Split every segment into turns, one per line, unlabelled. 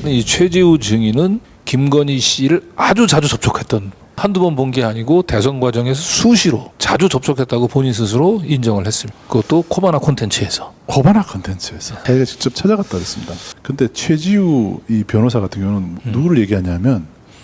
이 최지우 증인은 김건희 씨를 아주 자주 접촉했던, 한두 번 본 게 아니고 대선 과정에서 수시로 자주 접촉했다고 본인 스스로 인정을 했습니다. 그것도 코바나 콘텐츠에서.
코바나 콘텐츠에서 자기가 직접 찾아갔다 그랬습니다. 근데 최지우 이 변호사 같은 경우는 누구를 얘기하냐면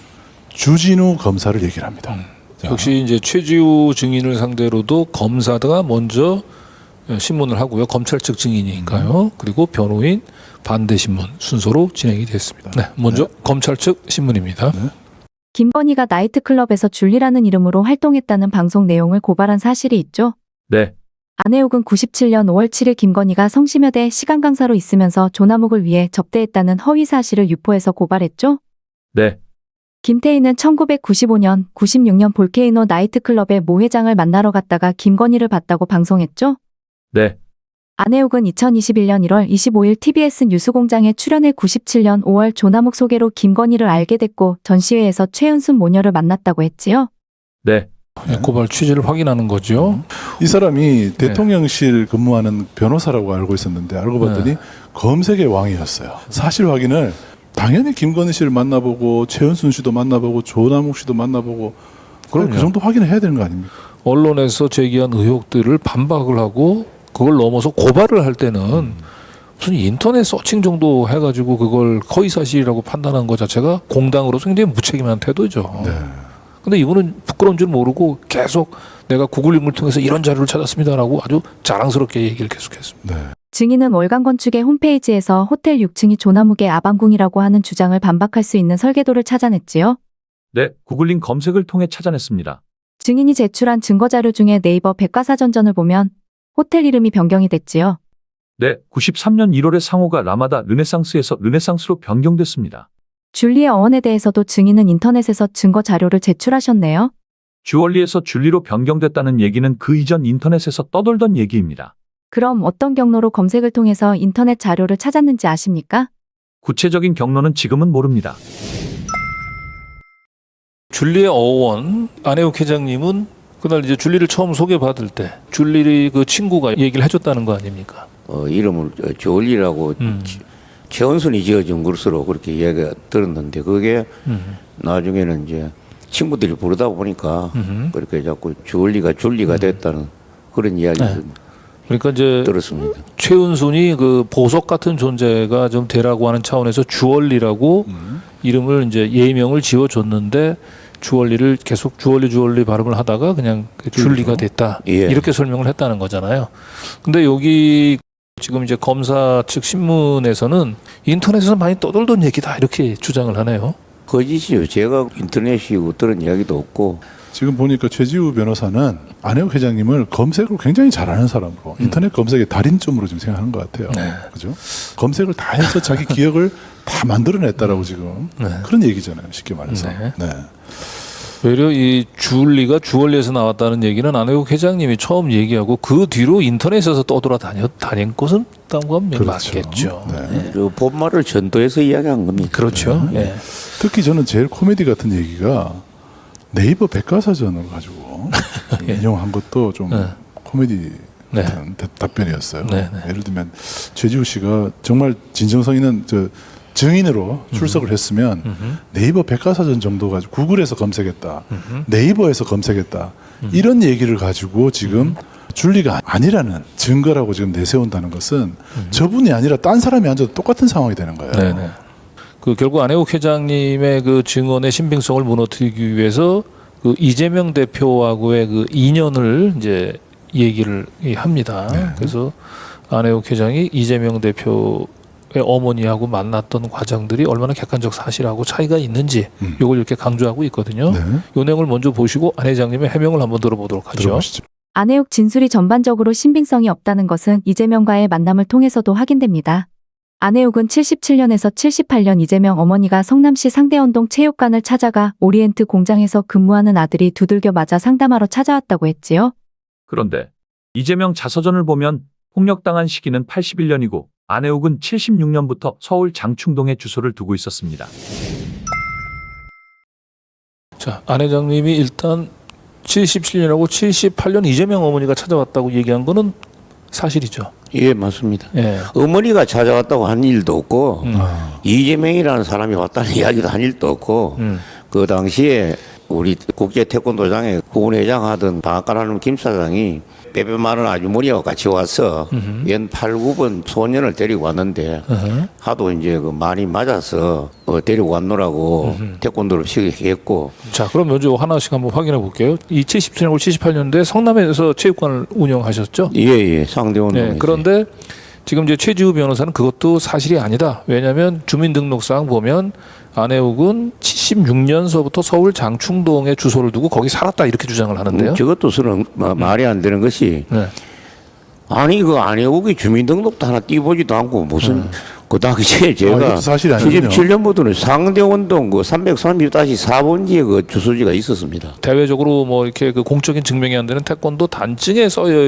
주진우 검사를 얘기를 합니다. 자,
역시 이제 최지우 증인을 상대로도 검사가 먼저 신문을 하고요. 검찰 측 증인이니까요. 그리고 변호인 반대 신문 순서로 진행이 됐습니다. 네, 먼저 검찰 측 신문입니다.
김건희가 나이트클럽에서 줄리라는 이름으로 활동했다는 방송 내용을 고발한 사실이 있죠.
네,
안혜욱은 97년 5월 7일 김건희가 성심여대 시간 강사로 있으면서 조남욱을 위해 접대했다는 허위 사실을 유포해서 고발했죠.
네,
김태희는 1995년, 96년 볼케이노 나이트클럽의 모 회장을 만나러 갔다가 김건희를 봤다고 방송했죠.
네,
안혜욱은 2021년 1월 25일 TBS 뉴스공장에 출연해 97년 5월 조남욱 소개로 김건희를 알게 됐고 전시회에서 최은순 모녀를 만났다고 했지요.
네.
고발 취지를 확인하는 거죠.
이 사람이 대통령실 근무하는 변호사라고 알고 있었는데 알고 봤더니 검색의 왕이었어요. 사실 확인을 당연히 김건희 씨를 만나보고 최은순 씨도 만나보고 조남욱 씨도 만나보고 그 정도 확인을 해야 되는 거 아닙니까?
언론에서 제기한 의혹들을 반박을 하고 그걸 넘어서 고발을 할 때는 무슨 인터넷 서칭 정도 해가지고 그걸 허위사실이라고 판단한 것 자체가 공당으로서 굉장히 무책임한 태도죠.
네.
근데 이분은 부끄러운 줄 모르고 계속 내가 구글링을 통해서 이런 자료를 찾았습니다라고 아주 자랑스럽게 얘기를 계속했습니다.
네.
증인은 월간건축의 홈페이지에서 호텔 6층이 조남욱의 아방궁이라고 하는 주장을 반박할 수 있는 설계도를 찾아냈지요.
네, 구글링 검색을 통해 찾아냈습니다.
증인이 제출한 증거자료 중에 네이버 백과사전전을 보면 호텔 이름이 변경이 됐지요.
네, 93년 1월에 상호가 라마다 르네상스에서 르네상스로 변경됐습니다.
줄리의 어원에 대해서도 증인은 인터넷에서 증거 자료를 제출하셨네요.
주얼리에서 줄리로 변경됐다는 얘기는 그 이전 인터넷에서 떠돌던 얘기입니다.
그럼 어떤 경로로 검색을 통해서 인터넷 자료를 찾았는지 아십니까?
구체적인 경로는 지금은 모릅니다.
줄리의 어원 안혜욱 회장님은 그날 이제 줄리를 처음 소개받을 때 줄리 그 친구가 얘기를 해줬다는 거 아닙니까?
이름을 조얼리라고 최원순이 지어준 것으로 그렇게 이야기가 들었는데 그게 나중에는 이제 친구들이 부르다 보니까 그렇게 자꾸 주얼리가 줄리가 됐다는 그런 이야기를
그러니까 이제
들었습니다.
최은순이 그 보석 같은 존재가 좀 되라고 하는 차원에서 주얼리라고 이름을 이제 예명을 지어줬는데 주얼리를 계속 주얼리 발음을 하다가 그냥 그 줄리가 됐다.
예.
이렇게 설명을 했다는 거잖아요. 근데 여기 지금 이제 검사 측 신문에서는 인터넷에서 많이 떠돌던 얘기다 이렇게 주장을 하네요.
거짓이요. 제가 인터넷이고 들은 이야기도 없고
지금 보니까 최지우 변호사는 안혜욱 회장님을 검색을 굉장히 잘하는 사람으로 인터넷 검색의 달인점으로 지금 생각하는 것 같아요. 그죠? 검색을 다 해서 자기 기억을 다 만들어냈다라고 지금 그런 얘기잖아요. 쉽게 말해서. 네.
오히려 이 줄리가 주얼리에서 나왔다는 얘기는 안혜욱 회장님이 처음 얘기하고 그 뒤로 인터넷에서 떠돌아다닌 것은 딴건 맞겠죠.
네.
그 본말을 전도해서 이야기한 겁니다.
그렇죠. 예.
특히 저는 제일 코미디 같은 얘기가 네이버 백과사전을 가지고 인용한 것도 좀 코미디 같은 답변이었어요. 예를 들면 최지우 씨가 정말 진정성 있는 증인으로 출석을 했으면 네이버 백과사전 정도 가지고 구글에서 검색했다, 네이버에서 검색했다 이런 얘기를 가지고 지금 줄리가 아니라는 증거라고 지금 내세운다는 것은 저분이 아니라 딴 사람이 앉아도 똑같은 상황이 되는 거예요.
네네. 그 결국 안혜욱 회장님의 그 증언의 신빙성을 무너뜨리기 위해서 그 이재명 대표하고의 그 인연을 이제 얘기를 합니다. 그래서 안혜욱 회장이 이재명 대표의 어머니하고 만났던 과정들이 얼마나 객관적 사실하고 차이가 있는지 이걸 이렇게 강조하고 있거든요. 이 내용을 먼저 보시고 안 회장님의 해명을 한번 들어보도록 하죠.
들어보시죠.
안혜욱 진술이 전반적으로 신빙성이 없다는 것은 이재명과의 만남을 통해서도 확인됩니다. 안혜욱은 77년에서 78년 이재명 어머니가 성남시 상대원동 체육관을 찾아가 오리엔트 공장에서 근무하는 아들이 두들겨 맞아 상담하러 찾아왔다고 했지요.
그런데 이재명 자서전을 보면 폭력당한 시기는 81년이고 안혜욱은 76년부터 서울 장충동에 주소를 두고 있었습니다.
자, 안 회장님이 일단 77년하고 78년 이재명 어머니가 찾아왔다고 얘기한 거는 사실이죠.
예, 맞습니다.
예.
어머니가 찾아왔다고 한 일도 없고
음.
이재명이라는 사람이 왔다는 이야기도 한 일도 없고 그 당시에 우리 국제 태권도장에 후원회장 하던 방앗간하는 김 사장이 빼빼 마른 아주머니와 같이 와서 연 8, 9번 소년을 데리고 왔는데 하도 이제 그 많이 맞아서 데리고 왔노라고 태권도를 시작했고.
자, 그럼 먼저 하나씩 한번 확인해 볼게요. 이 77년고 78년도에 성남에서 체육관을 운영하셨죠?
예, 상대원.
네, 그런데 지금 이제 최지우 변호사는 그것도 사실이 아니다. 왜냐하면 주민등록상 보면 안혜욱은 76년서부터 서울 장충동에 주소를 두고 거기 살았다 이렇게 주장을 하는데요.
저것도 서는 말이 안 되는 것이
네.
아니 그 안혜욱이 주민등록도 하나 띄보지도 않고 무슨 그 당시에 제가
이것도 사실이 아니군요.
77년부터는 상대원동 그 330-4번지에 그 주소지가 있었습니다.
대외적으로 뭐 이렇게 그 공적인 증명이 안 되는 태권도 단증에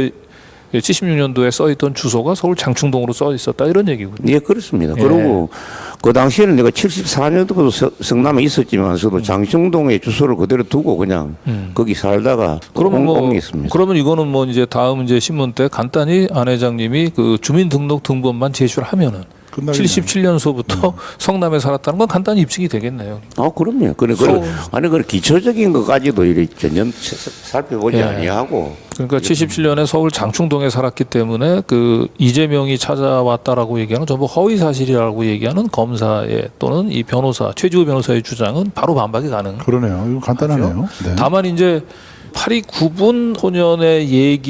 76년도에 써 있던 주소가 서울 장충동으로 써 있었다 이런 얘기군요.
예, 그렇습니다.
예.
그리고 그 당시에는 내가 74년도부터 성남에 있었지만서도 장충동에 주소를 그대로 두고 그냥 거기 살다가
그러면 뭐
옮겼습니다.
그러면 이거는 뭐 이제 다음 이제 신문 때 간단히 안 회장님이 그 주민등록 등본만 제출을 하면은
끝나겠네요.
77년서부터 성남에 살았다는 건 간단히 입증이 되겠네요.
아, 그럼요. 아니, 그 기초적인 것까지도 이렇게 전혀 살펴보지
예.
아니하고.
그러니까 77년에 서울 장충동에 살았기 때문에 그 이재명이 찾아왔다라고 얘기하는 전부 허위 사실이라고 얘기하는 검사의 또는 이 변호사 최지우 변호사의 주장은 바로 반박이 가능.
그러네요. 이거 간단하네요. 네.
다만 이제 8.29분 소년의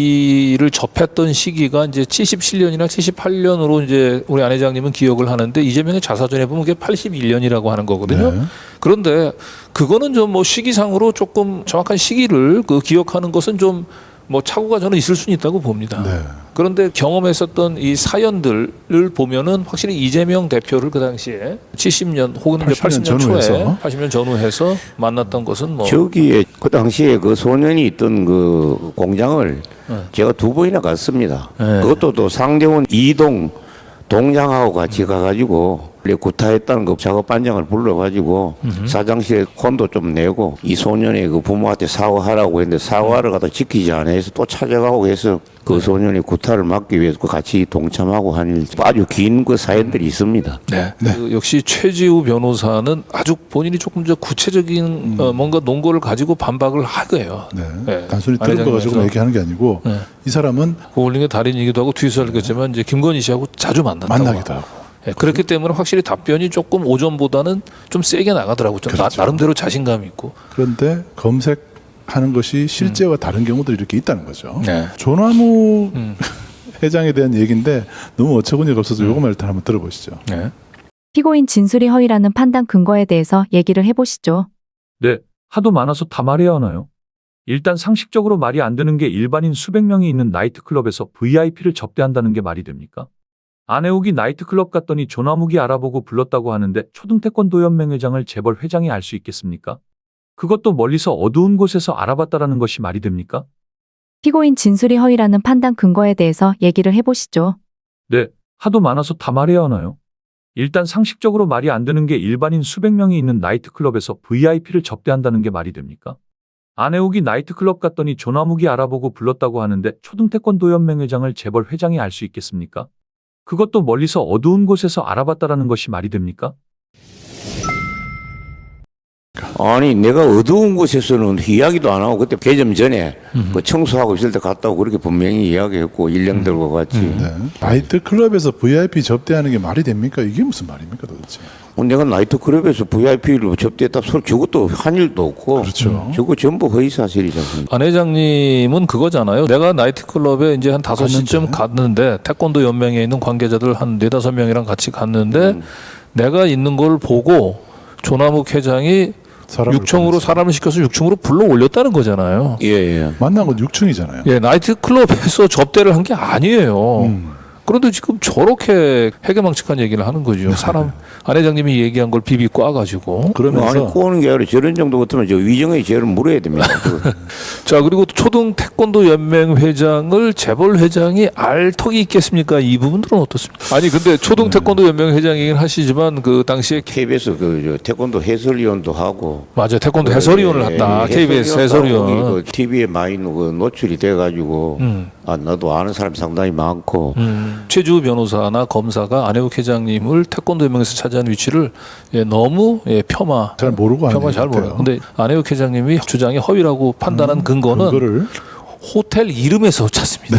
얘기를 접했던 시기가 이제 77년이나 78년으로 이제 우리 안 회장님은 기억을 하는데 이재명의 자사전에 보면 그게 81년이라고 하는 거거든요.
네.
그런데 그거는 좀 뭐 시기상으로 조금 정확한 시기를 그 기억하는 것은 좀 뭐 착오가 저는 있을 수는 있다고 봅니다.
네.
그런데 경험했었던 이 사연들을 보면은 확실히 이재명 대표를 그 당시에 70년 혹은
80년
80년 초에
전후해서.
80년 전후해서 만났던 것은 뭐
저기에 그 당시에 그 소년이 있던 그 공장을 제가 2번이나 갔습니다.
네.
그것도 또 상대원 이동 동장하고 같이 가가지고 구타했다는 그 작업 반장을 불러가지고 사장실에 혼도 좀 내고 이 소년의 그 부모한테 사과하라고 했는데 사과를 갖다 지키지 않아 해서 또 찾아가고 해서 그 소년의 구타를 막기 위해서 같이 동참하고 한 아주 긴 그 사연들이 있습니다.
네. 그 역시 최지우 변호사는 아주 본인이 조금 더 구체적인 뭔가 논거를 가지고 반박을 하고요.
네.
네.
단순히
안
들은 거 가지고
회장님께서.
얘기하는 게 아니고
네.
이 사람은
고울링의 달인이기도 하고 뒤에서 알겠지만 이제 김건희 씨하고 자주 만났다고.
만나기도 하고.
네, 그렇기 때문에 확실히 답변이 조금 오전보다는 좀 세게 나가더라고요. 좀
그렇죠.
나름대로 자신감이 있고.
그런데 검색하는 것이 실제와 다른 경우들이 이렇게 있다는 거죠.
네.
조나무 회장에 대한 얘기인데 너무 어처구니가 없어서 요거만 일단 한번 들어보시죠.
네.
피고인 진술이 허위라는 판단 근거에 대해서 얘기를 해보시죠.
네, 하도 많아서 다 말해야 하나요? 일단 상식적으로 말이 안 되는 게 일반인 수백 명이 있는 나이트클럽에서 VIP를 접대한다는 게 말이 됩니까? 안혜욱이 나이트클럽 갔더니 조나묵이 알아보고 불렀다고 하는데 초등태권도연맹 회장을 재벌 회장이 알 수 있겠습니까? 그것도 멀리서 어두운 곳에서 알아봤다라는 것이 말이 됩니까?
피고인 진술이 허위라는 판단 근거에 대해서 얘기를 해보시죠.
네, 하도 많아서 다 말해야 하나요? 일단 상식적으로 말이 안 되는 게 일반인 수백 명이 있는 나이트클럽에서 VIP를 접대한다는 게 말이 됩니까? 안혜욱이 나이트클럽 갔더니 조나묵이 알아보고 불렀다고 하는데 초등태권도연맹 회장을 재벌 회장이 알 수 있겠습니까? 그것도 멀리서 어두운 곳에서 알아봤다라는 것이 말이 됩니까?
아니 내가 어두운 곳에서는 이야기도 안 하고 그때 개점 전에 그 청소하고 있을 때 갔다고 그렇게 분명히 이야기했고 일령들과 같이
네. 나이트 클럽에서 VIP 접대하는 게 말이 됩니까? 이게 무슨 말입니까 도대체?
내가 나이트클럽에서 VIP를 접대했다 소리 저것도 한 일도 없고
그렇죠.
저거 전부 허위사실이지 않습니까?
안 회장님은 그거잖아요. 내가 나이트클럽에 이제 한 5시쯤 갔는데 태권도 연맹에 있는 관계자들 한 4-5명이랑 같이 갔는데 내가 있는 걸 보고 조나묵 회장이
사람을
6층으로
보냈어요.
사람을 시켜서 6층으로 불러 올렸다는 거잖아요.
예.
만난 건 6층이잖아요.
예, 나이트클럽에서 접대를 한 게 아니에요. 그런데 지금 저렇게 해괴망측한 얘기를 하는 거죠. 사람 안 회장님이 얘기한 걸 비비 꽈가지고.
그러면서
아니 꼬는 게 아니라 저런 정도 같으면 저 위정의 죄를 물어야 됩니다.
자, 그리고 초등 태권도 연맹 회장을 재벌 회장이 알 턱이 있겠습니까? 이 부분들은 어떻습니까? 아니 근데 초등 태권도 연맹 회장이긴 하시지만 그 당시에
KBS 그 태권도 해설위원도 하고
맞아요. 태권도 해설위원을 했다. KBS 해설위원.
그 TV에 많이 그 노출이 돼가지고 아 나도 아는 사람 상당히 많고
최주 변호사나 검사가 안혜욱 회장님을 태권도연맹에서 차지한 위치를 너무
잘 모르고 하는
잘
것 같아요.
몰라요. 근데 안혜욱 회장님이 주장이 허위라고 판단한 근거는
그거를
호텔 이름에서 찾습니다.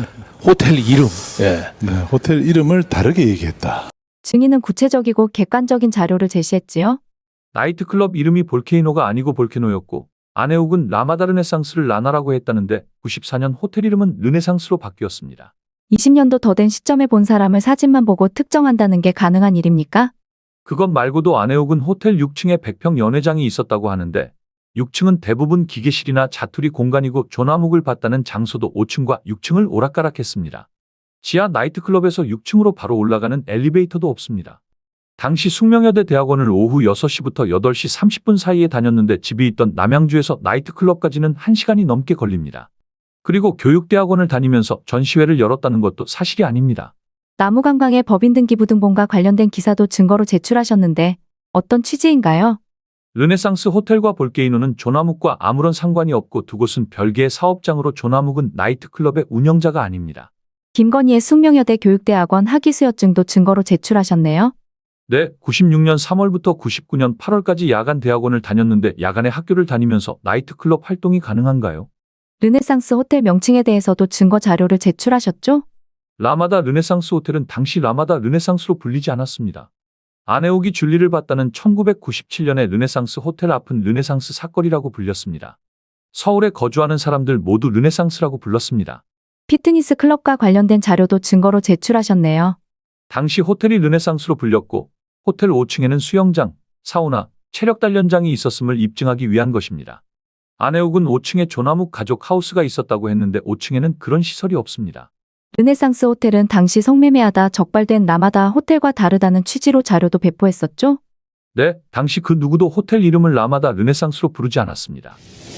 호텔 이름. 예.
네, 호텔 이름을 다르게 얘기했다.
증인은 구체적이고 객관적인 자료를 제시했지요.
나이트클럽 이름이 볼케이노가 아니고 볼케노였고 안혜욱은 라마다 르네상스를 라나라고 했다는데 94년 호텔 이름은 르네상스로 바뀌었습니다.
20년도 더 된 시점에 본 사람을 사진만 보고 특정한다는 게 가능한 일입니까?
그것 말고도 안혜욱은 호텔 6층에 100평 연회장이 있었다고 하는데 6층은 대부분 기계실이나 자투리 공간이고 조나묵을 봤다는 장소도 5층과 6층을 오락가락했습니다. 지하 나이트클럽에서 6층으로 바로 올라가는 엘리베이터도 없습니다. 당시 숙명여대 대학원을 오후 6시부터 8시 30분 사이에 다녔는데 집이 있던 남양주에서 나이트클럽까지는 1시간이 넘게 걸립니다. 그리고 교육대학원을 다니면서 전시회를 열었다는 것도 사실이 아닙니다.
나무관광의 법인 등기부등본과 관련된 기사도 증거로 제출하셨는데 어떤 취지인가요?
르네상스 호텔과 볼케이노는 조나묵과 아무런 상관이 없고 두 곳은 별개의 사업장으로 조나묵은 나이트클럽의 운영자가 아닙니다.
김건희의 숙명여대 교육대학원 학위수여증도 증거로 제출하셨네요.
네, 96년 3월부터 99년 8월까지 야간 대학원을 다녔는데 야간에 학교를 다니면서 나이트클럽 활동이 가능한가요?
르네상스 호텔 명칭에 대해서도 증거 자료를 제출하셨죠?
라마다 르네상스 호텔은 당시 라마다 르네상스로 불리지 않았습니다. 안혜욱이 줄리를 봤다는 1997년에 르네상스 호텔 앞은 르네상스 사거리라고 불렸습니다. 서울에 거주하는 사람들 모두 르네상스라고 불렀습니다.
피트니스 클럽과 관련된 자료도 증거로 제출하셨네요.
당시 호텔이 르네상스로 불렸고 호텔 5층에는 수영장, 사우나, 체력 단련장이 있었음을 입증하기 위한 것입니다. 안혜욱은 5층에 조나묵 가족 하우스가 있었다고 했는데 5층에는 그런 시설이 없습니다.
르네상스 호텔은 당시 성매매하다 적발된 라마다 호텔과 다르다는 취지로 자료도 배포했었죠?
네, 당시 그 누구도 호텔 이름을 라마다 르네상스로 부르지 않았습니다.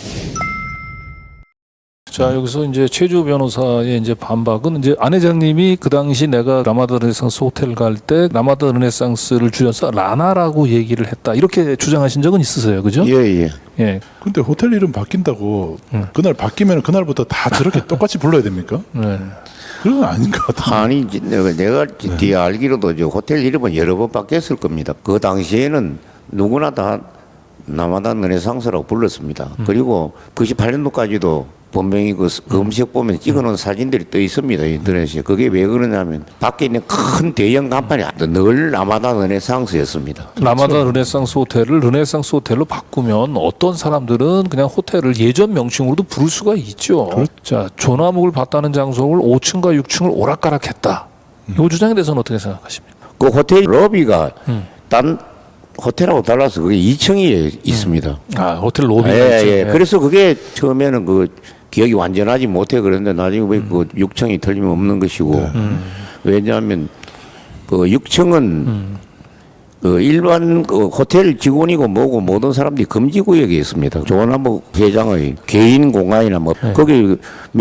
자, 여기서 이제 최주 변호사의 이제 반박은 이제 안 회장님이 그 당시 내가 라마다 르네상스 호텔 갈 때 라마다 르네상스를 줄여서 라나라고 얘기를 했다. 이렇게 주장하신 적은 있으세요. 그죠?
예.
예.
근데 호텔 이름 바뀐다고 그날 바뀌면 그날부터 다 저렇게 똑같이 불러야 됩니까?
네.
그건 아닌 것 같아요.
아니 이제 내가 뒤에 알기로도 저 호텔 이름은 여러 번 바뀌었을 겁니다. 그 당시에는 누구나 다 라마다 르네상스라고 불렀습니다. 그리고 98년도까지도 분명히 그 음식 보면 찍어놓은 사진들이 떠 있습니다. 인터넷에. 그게 왜 그러냐면 밖에 있는 큰 대형 간판이 늘 라마다 르네상스였습니다.
라마다 르네상스 호텔을 르네상스 호텔로 바꾸면 어떤 사람들은 그냥 호텔을 예전 명칭으로도 부를 수가 있죠. 자, 조나묵을 봤다는 장소를 5층과 6층을 오락가락했다. 이 주장에 대해서는 어떻게 생각하십니까?
그 호텔 로비가 딴 호텔하고 달라서 그게 2층에 있습니다.
아, 호텔 로비.
예. 그래서 그게 처음에는 그 기억이 완전하지 못해 그랬는데 나중에 왜 그 6층이 틀림없는 것이고 왜냐하면 그 6층은 그 일반 그 호텔 직원이고 뭐고 모든 사람들이 금지 구역에 있습니다. 조나묵 회장의 개인 공간이나 뭐 거기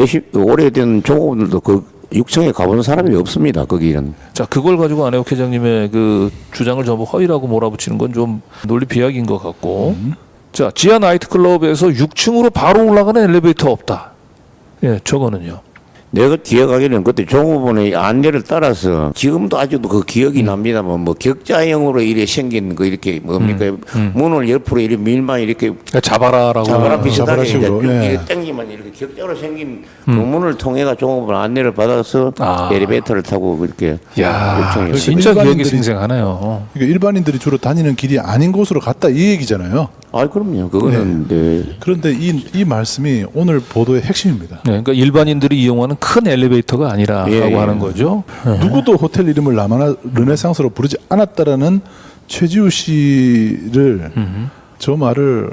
오래된 종업원들도 그 6층에 가본 사람이 없습니다. 거기는.
자, 그걸 가지고 안혜욱 회장님의 그 주장을 전부 허위라고 몰아붙이는 건 좀 논리 비약인 것 같고. 자, 지하 나이트클럽에서 6층으로 바로 올라가는 엘리베이터 없다. 예, 저거는요.
내가 기억하기로는 그때 종업원의 안내를 따라서 지금도 아직도 그 기억이 납니다만 뭐 격자형으로 이렇게 생긴 그 이렇게 뭡니까 문을 옆으로 이렇게 밀만 이렇게
그러니까 잡아라라고.
자바라 비슷하게 이제
식으로, 예.
이렇게 당기면 이렇게 격자로 생긴 그 문을 통해가 종업원 안내를 받아서 엘리베이터를 타고 그렇게
야,
요청해요.
진짜 기억이
일반인들이-
생생하네요.
그러니까 일반인들이 주로 다니는 길이 아닌 곳으로 갔다 이 얘기잖아요.
아, 그럼요. 그거는 네.
그런데 이 말씀이 오늘 보도의 핵심입니다.
네, 그러니까 일반인들이 이용하는 큰 엘리베이터가 아니라라고
예.
하는 거죠.
누구도 호텔 이름을 라마나 르네상스로 부르지 않았다라는 최지우 씨를 저 말을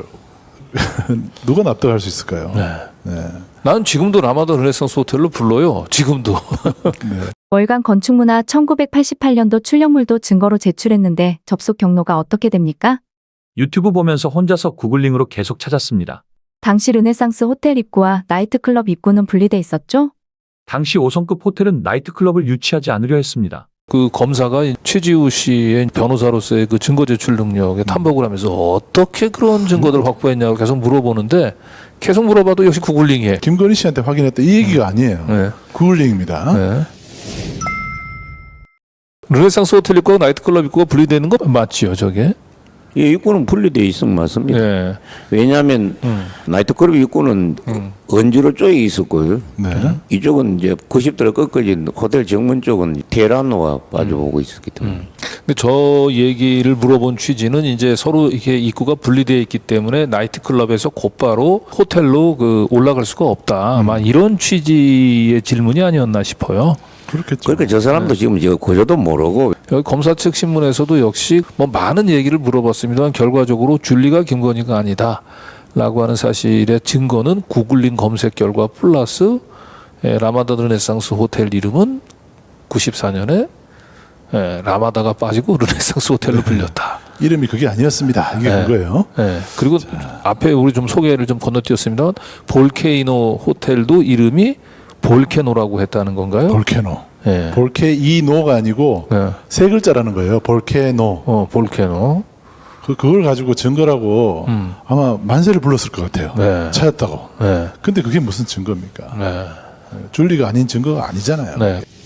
누가 납득할 수 있을까요? 네.
나는 지금도 라마다 르네상스 호텔로 불러요. 지금도.
월간 건축문화 1988년도 출력물도 증거로 제출했는데 접속 경로가 어떻게 됩니까?
유튜브 보면서 혼자서 구글링으로 계속 찾았습니다.
당시 르네상스 호텔 입구와 나이트클럽 입구는 분리돼 있었죠?
당시 5성급 호텔은 나이트클럽을 유치하지 않으려 했습니다.
그 검사가 최지우 씨의 변호사로서의 그 증거 제출 능력에 탐복을 하면서 어떻게 그런 증거들을 확보했냐고 계속 물어보는데 계속 물어봐도 역시 구글링이에요.
김건희 씨한테 확인했다 이 얘기가 아니에요.
네.
구글링입니다.
네. 르네상스 호텔 입구와 나이트클럽 입구가 분리되는 거 맞지요, 저게?
예, 입구는 분리되어 있으면 맞습니다.
예.
왜냐하면 나이트클럽 입구는 언주로 쪽에 있었고요.
네.
이쪽은 이제 90도로 꺾어진 호텔 정문 쪽은 테라노가 빠져오고 있었기 때문에.
근데 저 얘기를 물어본 취지는 이제 서로 이게 입구가 분리되어 있기 때문에 나이트클럽에서 곧바로 호텔로 그 올라갈 수가 없다. 아마 이런 취지의 질문이 아니었나 싶어요.
그렇겠죠.
그러니까 저 사람도 지금 저 고조도 모르고
여기 검사 측 신문에서도 역시 뭐 많은 얘기를 물어봤습니다만 결과적으로 줄리가 김건희가 아니다라고 하는 사실의 증거는 구글링 검색 결과 플러스 라마다 르네상스 호텔 이름은 94년에 라마다가 빠지고 르네상스 호텔로 불렸다.
이름이 그게 아니었습니다. 이게
네.
그거예요.
그리고 앞에 우리 좀 소개를 좀 건너뛰었습니다. 볼케이노 호텔도 이름이 볼케노라고 했다는 건가요?
볼케노.
예.
볼케이노가 아니고
예.
세 글자라는 거예요. 볼케노.
볼케노.
그걸 가지고 증거라고 아마 만세를 불렀을 것 같아요.
네.
찾았다고.
네.
근데 그게 무슨 증거입니까?
네.
줄리가 아닌 증거가 아니잖아요.
네.